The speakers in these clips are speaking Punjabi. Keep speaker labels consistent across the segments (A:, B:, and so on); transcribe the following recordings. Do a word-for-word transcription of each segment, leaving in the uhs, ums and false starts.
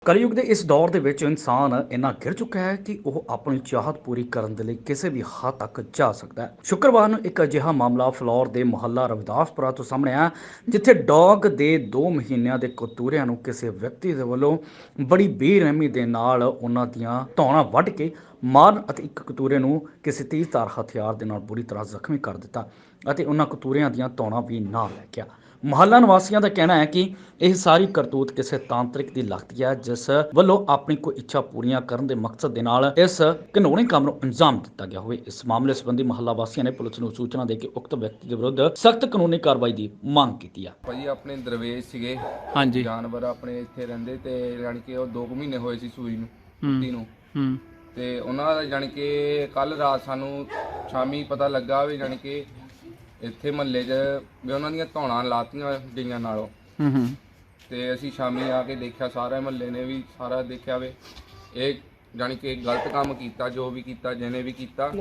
A: ਕਲਯੁਗ ਦੇ ਇਸ ਦੌਰ ਦੇ ਵਿੱਚ ਇਨਸਾਨ ਇੰਨਾ ਗਿਰ ਚੁੱਕਾ ਹੈ ਕਿ ਉਹ ਆਪਣੀ ਚਾਹਤ ਪੂਰੀ ਕਰਨ ਦੇ ਲਈ ਕਿਸੇ ਵੀ ਹੱਦ ਤੱਕ ਜਾ ਸਕਦਾ ਹੈ। ਸ਼ੁੱਕਰਵਾਰ ਨੂੰ ਇੱਕ ਅਜਿਹਾ ਮਾਮਲਾ ਫਲੌਰ ਦੇ ਮੁਹੱਲਾ ਰਵਿਦਾਸਪੁਰਾ ਤੋਂ ਸਾਹਮਣੇ ਆਇਆ, ਜਿੱਥੇ ਡੌਗ ਦੇ ਦੋ ਮਹੀਨਿਆਂ ਦੇ ਕਤੂਰਿਆਂ ਨੂੰ ਕਿਸੇ ਵਿਅਕਤੀ ਦੇ ਵੱਲੋਂ ਬੜੀ ਬੇਰਹਿਮੀ ਦੇ ਨਾਲ ਉਹਨਾਂ ਦੀਆਂ ਧੌਣਾਂ ਵੱਢ ਕੇ ਮਾਰਨ ਅਤੇ ਇੱਕ ਕਤੂਰੇ ਨੂੰ ਕਿਸੇ ਤੇਜ਼ਧਾਰ ਹਥਿਆਰ ਦੇ ਨਾਲ ਬੁਰੀ ਤਰ੍ਹਾਂ ਜ਼ਖਮੀ ਕਰ ਦਿੱਤਾ ਅਤੇ ਉਹਨਾਂ ਕਤੂਰਿਆਂ ਦੀਆਂ ਧੌਣਾਂ ਵੀ ਨਾਲ ਲੈ ਗਿਆ। ਮੁਹੱਲਾ ਨਿਵਾਸੀਆਂ ਦਾ ਕਹਿਣਾ ਹੈ ਕਿ ਇਹ ਸਾਰੀ ਕਰਤੂਤ ਕਿਸੇ ਤਾਂਤਰਿਕ ਦੀ ਲੱਗਦੀ ਹੈ, ਜਿਸ ਵੱਲੋਂ ਆਪਣੀ ਕੋਈ ਇੱਛਾ ਪੂਰੀਆਂ ਕਰਨ ਦੇ ਮਕਸਦ ਦੇ ਨਾਲ ਇਸ ਘਿਨੌਣੇ ਕੰਮ ਨੂੰ ਅੰਜਾਮ ਦਿੱਤਾ ਗਿਆ ਹੋਵੇ। ਇਸ ਮਾਮਲੇ ਸੰਬੰਧੀ ਮੁਹੱਲਾ ਵਾਸੀਆਂ ਨੇ ਪੁਲਿਸ ਨੂੰ ਸੂਚਨਾ ਦੇ ਕੇ ਉਕਤ ਵਿਅਕਤੀ ਦੇ ਵਿਰੁੱਧ ਸਖਤ ਕਾਨੂੰਨੀ ਕਾਰਵਾਈ ਦੀ ਮੰਗ ਕੀਤੀ ਹੈ।
B: ਭਾਜੀ ਆਪਣੇ ਦਰਵੇਸ਼ ਸੀਗੇ,
C: ਹਾਂਜੀ
B: ਜਾਨਵਰ ਆਪਣੇ ਇੱਥੇ ਰਹਿੰਦੇ ਤੇ ਜਾਣੀ ਕਿ ਉਹ ਦੋ ਕੁ ਮਹੀਨੇ ਹੋਏ ਸੀ ਸੂਈ ਨੂੰ ਕੁੱਤੀ ਨੂੰ
C: ਹੂੰ
B: ਤੇ ਉਹਨਾਂ ਦਾ ਜਾਣੀ ਕਿ ਕੱਲ ਰਾਤ ਸਾਨੂੰ ਸ਼ਾਮੀ ਪਤਾ ਲੱਗਾ ਵੀ ਜਾਣੀ ਕਿ ਇੱਥੇ ਮਹੱਲੇ 'ਚ ਵੀ ਉਹਨਾਂ ਦੀਆਂ ਧੌਣਾਂ ਲਾਤੀਆਂ ਗਈਆਂ ਨਾਲੋਂ।
C: ਹੂੰ ਹੂੰ
B: ਤੇ ਅਸੀਂ ਸ਼ਾਮੀ ਆ ਕੇ ਦੇਖਿਆ, ਸਾਰੇ ਮਹੱਲੇ ਨੇ ਵੀ ਸਾਰਾ ਦੇਖਿਆ ਵੇ ਇਹ ਜਾਣੀ ਕਿ ਗਲਤ ਕੰਮ ਕੀਤਾ, ਜੋ ਵੀ ਕੀਤਾ ਜਿਹਨੇ ਵੀ ਕੀਤਾ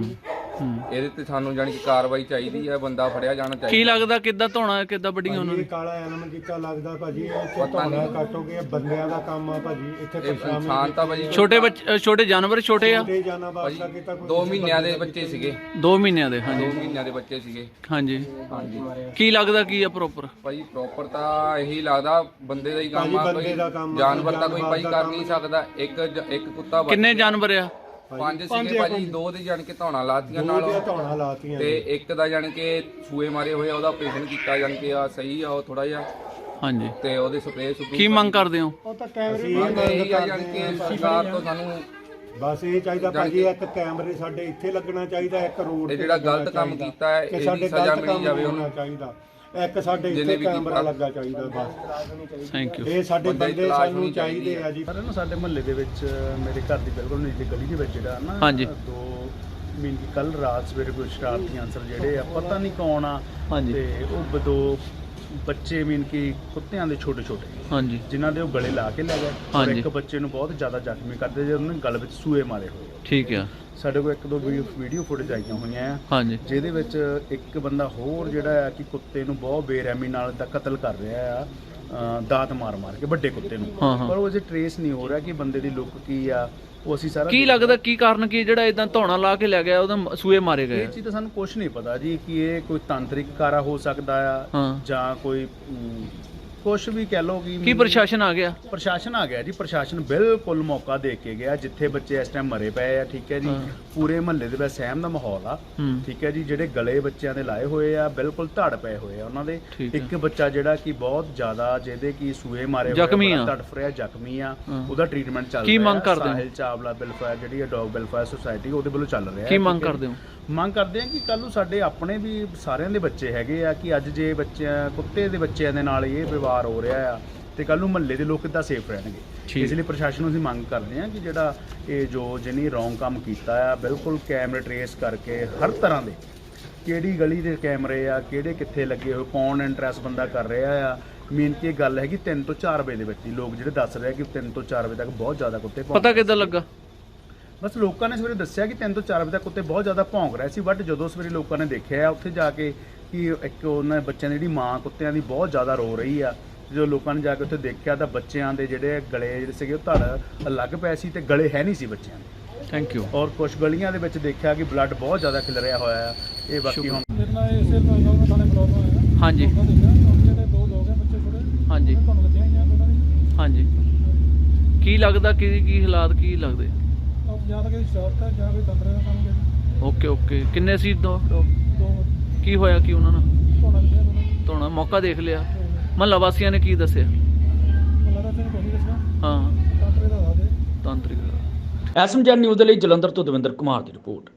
B: ਇਹਦੇ ਤੇ ਸਾਨੂੰ ਜਾਣੀ ਕਿ ਕਾਰਵਾਈ ਚਾਹੀਦੀ ਹੈ, ਬੰਦਾ ਫੜਿਆ ਜਾਣਾ ਚਾਹੀਦਾ।
C: ਕੀ ਲੱਗਦਾ ਕਿੱਦਾਂ ਧੋਣਾ ਕਿੱਦਾਂ ਵੱਡੀਆਂ ਉਹਨਾਂ ਨੇ?
D: ਕਾਲਾ ਐਨਮ ਕੀਤਾ ਲੱਗਦਾ ਭਾਜੀ, ਇੱਥੇ ਧੌਣਾ ਕੱਟੋਗੇ ਬੰਦਿਆਂ ਦਾ ਕੰਮ ਆ ਭਾਜੀ, ਇੱਥੇ ਪਛਾਣ
B: ਇਨਸਾਨ ਤਾਂ ਭਾਜੀ
C: ਛੋਟੇ ਬੱਚੇ ਛੋਟੇ ਜਾਨਵਰ ਛੋਟੇ ਆ
D: ਤੇ ਜਾਣਾ ਵਾਸਤਾ ਕੀਤਾ ਕੋਈ
B: ਦੋ ਮਹੀਨਿਆਂ ਦੇ ਬੱਚੇ ਸੀਗੇ,
C: ਦੋ ਮਹੀਨਿਆਂ ਦੇ। ਹਾਂਜੀ
B: ਦੋ ਮਹੀਨਿਆਂ ਦੇ ਬੱਚੇ ਸੀਗੇ।
C: ਹਾਂਜੀ
B: ਹਾਂਜੀ
C: ਕੀ ਲੱਗਦਾ ਕੀ ਆ ਪ੍ਰੋਪਰ?
B: ਭਾਈ ਪ੍ਰੋਪਰ ਤਾਂ ਇਹੀ ਲੱਗਦਾ ਬੰਦੇ ਦਾ ਹੀ ਕੰਮ ਆ,
D: ਬੰਦੇ ਦਾ ਕੰਮ
B: ਕੋਈ
D: ਆ,
B: ਜਾਨਵਰ ਤਾਂ ਕੋਈ ਭਾਈ
D: ਜਾਨਵਰ
B: ਕਰ
D: ਦਾ
B: ਨਹੀਂ ਸਕਦਾ। ਇੱਕ ਜ- ਇੱਕ ਕੁੱਤਾ ਬਚ-
C: ਕਿੰਨੇ ਜਾਨਵਰ ਆ?
B: ਪੰਜ ਸੀਗੇ ਭਾਜੀ, ਦੋ ਦੇ ਜਾਣ ਕੇ ਧੌਣਾ ਲਾਤੀਆਂ
D: ਦੋ
B: ਨਾਲ
D: ਦੀਆਂ ਧੌਣਾ ਲਾਤੀਆਂ
B: ਤੇ ਇੱਕ ਦਾ ਜਾਣ ਕੇ ਸੂਏ ਮਾਰੇ ਹੋਏ ਆ, ਉਹਦਾ ਆਪਰੇਸ਼ਨ ਕੀਤਾ ਜਾਣ ਕੇ ਆ ਸਹੀ ਆ ਉਹ ਥੋੜਾ ਜਿਹਾ,
C: ਹਾਂਜੀ
B: ਤੇ ਉਹਦੇ ਸਪਰੇਅ ਸੁਪਰੂ
C: ਕੀ ਮੰਗ ਕਰਦੇ ਹੋ?
D: ਉਹ ਤਾਂ ਕੈਮਰੇ
B: ਮੰਗ ਇਹੀ ਆ ਜਾਣ ਕੇ ਸਰਕਾਰ ਤੋਂ ਸਾਨੂੰ
D: ਬਸ ਇਹ ਚਾਹੀਦਾ ਭਾਜੀ, ਇੱਕ ਕੈਮਰੇ ਸਾਡੇ ਇੱਥੇ ਲੱਗਣਾ ਚਾਹੀਦਾ, ਇੱਕ ਰੋਡ
B: ਇਹ
D: ਤੇ
B: ਜਿਹੜਾ
D: ਲੱਗਣਾ
B: ਗਲਤ ਕੰਮ
D: ਚਾਹੀਦਾ,
B: ਕੀਤਾ ਹੈ
D: ਕਿ
B: ਇਹਦੀ
D: ਸਾਡੇ
B: ਸਜ਼ਾ
D: ਗਲਤ
B: ਮਿਲਣੀ
D: ਕੰਮ
B: ਜਾਵੇ
D: ਹੋਣਾ
B: ਉਹਨੂੰ।
D: ਚਾਹੀਦਾ, ਇੱਕ ਸਾਡੇ
B: ਜਿਹਨੇ
D: ਇੱਥੇ
B: ਵੀ
D: ਕੈਮਰਾ
B: ਕੀਤਾ।
D: ਲੱਗਾ ਚਾਹੀਦਾ ਬਸ।
C: Thank you.
D: ਇਹ ਸਾਡੇ
B: ਬੰਦੇ ਦੀ
D: ਬੰਦੇ
B: ਤਲਾਸ਼
D: ਸਾਨੂੰ
B: ਹੋਣੀ
D: ਚਾਹੀਦੇ ਆ ਜੀ।
E: ਪਰ ਨਾ ਸਾਡੇ ਮੁਹੱਲੇ ਦੇ ਵਿੱਚ ਮੇਰੇ ਘਰ ਦੀ ਬਿਲਕੁਲ ਨੀਚੇ ਗਲੀ ਦੇ ਵਿੱਚ ਜਿਹੜਾ ਨਾ
C: ਹਾਂਜੀ।
E: ਦੋ ਮੀਨ ਕੀ ਕੱਲ ਰਾਤ ਸਵੇਰੇ ਕੋਈ ਸ਼ਰਾਰਤੀ ਅਨਸਰ ਜਿਹੜੇ ਆ ਪਤਾ ਨਹੀਂ ਕੌਣ ਆ
C: ਹਾਂਜੀ
E: ਤੇ ਉਹ ਬ- ਦੋ ਬੱਚੇ ਮੀਨ ਕੀ ਕੁੱਤਿਆਂ ਦੇ ਛੋਟੇ ਛੋਟੇ
C: ਹਾਂਜੀ
E: ਜਿਨ੍ਹਾਂ ਦੇ ਉਹ ਗਲੇ ਲਾ ਕੇ ਲੈ ਗਏ ਔਰ
C: ਹਾਂਜੀ।
E: ਇੱਕ ਬੱਚੇ ਨੂੰ ਬਹੁਤ ਜ਼ਿਆਦਾ ਜ਼ਖਮੀ ਕਰਦੇ ਜੇ ਉਹਨਾਂ ਨੇ ਗਲ ਵਿੱਚ ਸੂਏ ਮਾਰੇ ਹੋਏ ਆ।
C: ਠੀਕ ਆ।
E: ਸਾਡੇ ਕੋਲ ਇੱਕ ਦੋ ਵੀਡੀਓ ਫੁਟੇਜ ਆਈਆਂ ਹੋਈਆਂ ਆ
C: ਹਾਂਜੀ
E: ਜਿਹਦੇ ਵਿੱਚ ਇੱਕ ਬੰਦਾ ਹੋਰ ਜਿਹੜਾ ਆ ਕਿ ਕੁੱਤੇ ਨੂੰ ਬਹੁਤ ਬੇਰਹਿਮੀ ਨਾਲ ਦਾ ਕਤਲ ਕਰ ਰਿਹਾ ਆ, ਅ, ਦਾਤ ਮਾਰ ਮਾਰ ਕੇ ਵੱਡੇ ਕੁੱਤੇ ਨੂੰ।
C: ਹਾਂ, ਹਾਂ।
E: ਪਰ ਉਹ ਜੇ ਟਰੇਸ ਨਹੀਂ ਹੋ ਰਿਹਾ ਕਿ ਬੰਦੇ ਦੀ ਲੁੱਕ ਕੀ ਆ, ਉਹ ਅਸੀਂ ਸਾਰਾ
C: ਕੀ ਲੱਗਦਾ ਕੀ ਕਾਰਨ ਕੀ ਜਿਹੜਾ ਇਦਾਂ ਧੌਣਾ ਲਾ ਕੇ ਲੈ ਗਿਆ ਉਹਦਾ ਸੂਏ ਮਾਰੇ ਗਏ
E: ਇਹ
C: ਆ?
E: ਚੀਜ਼ ਤਾਂ ਸਾਨੂੰ ਕੁਝ ਨਹੀਂ ਪਤਾ ਜੀ ਕਿ ਇਹ ਕੋਈ ਤਾਂਤਰਿਕ ਕਾਰਾ ਹੋ ਸਕਦਾ ਆ
C: ਹਾਂ।
E: ਜਾਂ ਕੋਈ ਕੁਝ ਵੀ ਕਹਿ ਲਓ ਕਿ
C: ਕੀ ਪ੍ਰਸ਼ਾਸਨ ਆ ਗਿਆ?
E: ਪ੍ਰਸ਼ਾਸਨ ਆ ਗਿਆ ਜੀ। ਪ੍ਰਸ਼ਾਸਨ ਬਿਲਕੁਲ ਮੌਕਾ ਦੇ ਕੇ ਗਿਆ ਜਿੱਥੇ ਬੱਚੇ ਇਸ ਟਾਈਮ ਮਰੇ ਪਏ ਆ। ਠੀਕ ਹੈ ਜੀ,
C: ਹਾਂ।
E: ਪੂਰੇ ਮਹੱਲੇ ਦੇ ਵਿੱਚ ਸਹਿਮ ਦਾ ਮਾਹੌਲ ਆ।
C: ਹੂੰ
E: ਠੀਕ ਹੈ ਜੀ, ਜਿਹੜੇ ਗਲੇ ਬੱਚਿਆਂ ਦੇ ਲਾਏ ਹੋਏ ਆ ਬਿਲਕੁਲ ਧੜ ਪਏ ਹੋਏ ਆ ਉਹਨਾਂ ਦੇ।
C: ਠੀਕ ਹੈ।
E: ਇੱਕ ਬੱਚਾ ਜਿਹੜਾ ਕਿ ਬਹੁਤ ਜ਼ਿਆਦਾ ਜਿਹਦੇ ਕਿ ਸੂਏ ਮਾਰੇ
C: ਜ਼ਖਮੀ ਆ।
E: ਤੜਫ ਰਿਹਾ, ਜ਼ਖਮੀ ਆ,
C: ਹਾਂ।
E: ਉਹਦਾ ਟ੍ਰੀਟਮੈਂਟ ਚੱਲ
C: ਕੀ
E: ਰਿਹਾ।
C: ਮੰਗ ਕਰਦੇ ਹੋ?
E: ਸਾਹਿਲ ਚਾਵਲਾ ਵੈਲਫੇਅਰ ਜਿਹੜੀ ਹੈ ਡੌਗ ਵੈਲਫੇਅਰ ਸੁਸਾਇਟੀ ਉਹਦੇ ਵੱਲੋਂ ਚੱਲ ਰਿਹਾ।
C: ਕੀ
E: ਠੀਕ
C: ਮੰਗ
E: ਹੈ ਜੀ।
C: ਕਰਦੇ ਹੋ?
E: ਮੰਗ ਕਰਦੇ ਆ ਕਿ ਕੱਲ ਨੂੰ ਸਾਡੇ ਆਪਣੇ ਵੀ ਸਾਰਿਆਂ ਦੇ ਬੱਚੇ ਹੈਗੇ ਆ ਕਿ ਅੱਜ ਜੇ ਬੱਚਿਆਂ ਕੁੱਤੇ ਦੇ ਬੱਚਿਆਂ ਦੇ ਨਾਲ ਇਹ ਵਿਵਹਾਰ ਹੋ ਰਿਹਾ ਆ ਤੇ ਕੱਲ ਨੂੰ ਮਹੱਲੇ ਦੇ ਲੋਕ ਕਿੱਦਾਂ ਸੇਫ ਰਹਿਣਗੇ।
C: ਠੀਕ।
E: ਇਸ ਲਈ ਪ੍ਰਸ਼ਾਸਨ ਨੂੰ ਅਸੀਂ ਮੰਗ ਕਰਦੇ ਆ ਕਿ ਜਿਹੜਾ ਇਹ ਜੋ ਜਿਹਨੇ ਰੌਂਗ ਕੰਮ ਕੀਤਾ ਆ ਬਿਲਕੁਲ ਕੈਮਰੇ ਟਰੇਸ ਕਰਕੇ ਹਰ ਤਰ੍ਹਾਂ ਦੇ ਕਿਹੜੀ ਗਲੀ ਦੇ ਕੈਮਰੇ ਆ, ਕਿਹੜੇ ਕਿੱਥੇ ਲੱਗੇ ਹੋਏ, ਕੌਣ ਇੰਟਰਸ ਬੰਦਾ ਕਰ ਰਿਹਾ ਆ। ਮੇਨ ਕੀ ਗੱਲ ਹੈਗੀ ਤਿੰਨ ਤੋਂ ਚਾਰ ਵਜੇ ਦੇ ਵਿੱਚ ਹੀ ਲੋਕ ਜਿਹੜੇ ਦੱਸ ਰਹੇ ਕਿ ਤਿੰਨ ਤੋਂ ਚਾਰ ਵਜੇ ਤੱਕ ਬਹੁਤ ਜ਼ਿਆਦਾ ਕੁੱਤੇ ਭੌਂਕ
C: ਪਤਾ
E: ਰਹੇ
C: ਕਿੱਦਾਂ
E: ਸੀ।
C: ਲੱਗਾ?
E: ਬਸ ਲੋਕਾਂ ਨੇ ਸਵੇਰੇ ਦੱਸਿਆ ਕਿ ਤਿੰਨ ਤੋਂ ਚਾਰ ਵਜੇ ਤੱਕ ਕੁੱਤੇ ਬਹੁਤ ਜ਼ਿਆਦਾ ਭੌਂਕ ਰਹੇ ਸੀ, ਬਟ ਜਦੋਂ ਸਵੇਰੇ ਲੋਕਾਂ ਨੇ ਦੇਖਿਆ ਉੱਥੇ ਜਾ ਕੇ ਕਿ ਇੱਕ ਉਹਨਾਂ ਬੱਚਿਆਂ ਦੀ ਜਿਹੜੀ ਮਾਂ ਕੁੱਤਿਆਂ ਦੀ ਬਹੁਤ ਜ਼ਿਆਦਾ ਰੋ ਰਹੀ ਆ। ਜਦੋਂ ਲੋਕਾਂ ਨੇ ਜਾ ਕੇ ਉੱਥੇ ਦੇਖਿਆ ਤਾਂ ਬੱਚਿਆਂ ਦੇ ਜਿਹੜੇ ਗਲੇ ਜਿਹੜੇ ਸੀਗੇ ਉਹ ਧੜ ਅਲੱਗ ਪਏ ਸੀ ਤੇ ਗਲੇ ਹੈ ਨਹੀਂ ਸੀ ਬੱਚਿਆਂ ਦੇ।
C: Thank you.
E: ਔਰ ਕੁਝ ਗਲੀਆਂ ਦੇ ਵਿੱਚ ਦੇਖਿਆ ਕਿ ਬਲੱਡ ਬਹੁਤ ਜ਼ਿਆਦਾ ਖਿਲਰਿਆ ਹੋਇਆ ਆ। ਇਹ ਬਾਕੀ ਹੁਣ
F: ਮੇਰੇ ਨਾਲ ਇਸੇ ਪ੍ਰੋਗਰਾਮ ਥਾਣੇ ਬਲੌਗ ਹੋਇਆ।
C: ਹਾਂਜੀ
F: ਉਹਨਾਂ ਦੇ ਜਿਹੜੇ ਦੋ ਲੋਕ ਹੈ ਬੱਚੇ ਛੋਟੇ,
C: ਹਾਂਜੀ
F: ਤੁਹਾਨੂੰ ਲੱਗਿਆ ਹੀ ਆ ਦੋਨਾਂ ਦੀ।
C: ਹਾਂਜੀ ਕੀ ਲੱਗਦਾ ਕੀ ਕੀ ਹਾਲਾਤ ਕੀ ਲੱਗਦੇ?
F: ਉਹ ਜਾਂ ਤਾਂ ਕਿਸੇ ਸ਼ਾਪ ਤੇ ਜਾਂ ਕੋਈ ਤੰਤਰੇ ਦਾ ਕੰਮ ਕਰਦੇ।
C: ਓਕੇ ਓਕੇ ਕਿੰਨੇ ਸੀ ਦੋ ਦੋ-
F: ਦੋ
C: ਕੀ ਹੋਇਆ ਕੀ ਉਹਨਾਂ ਨਾਲ?
F: ਧੋਣਾ ਲੱਗਿਆ ਦੋਨਾਂ ਨੂੰ।
C: ਧੌਣਾ ਮੌਕਾ ਦੇਖ ਲਿਆ? ਮਹੱਲਾ ਵਾਸੀਆਂ ਨੇ ਕੀ ਦੱਸਿਆ?
F: ਮੱਲਾ ਦਾ ਤੈਨੂੰ ਕੋਈ ਨਹੀਂ ਦੱਸਿਆ,
C: ਹਾਂ
F: ਤੰਤਰੇ ਦਾ ਦੱਸ ਦੇ।
C: ਤਾਂਤਰਿਕ
A: ਐਸਐਮਜੈਡ ਨਿਊਜ਼ ਦੇ ਲਈ ਜਲੰਧਰ ਤੋਂ ਦਵਿੰਦਰ ਕੁਮਾਰ ਦੀ ਰਿਪੋਰਟ।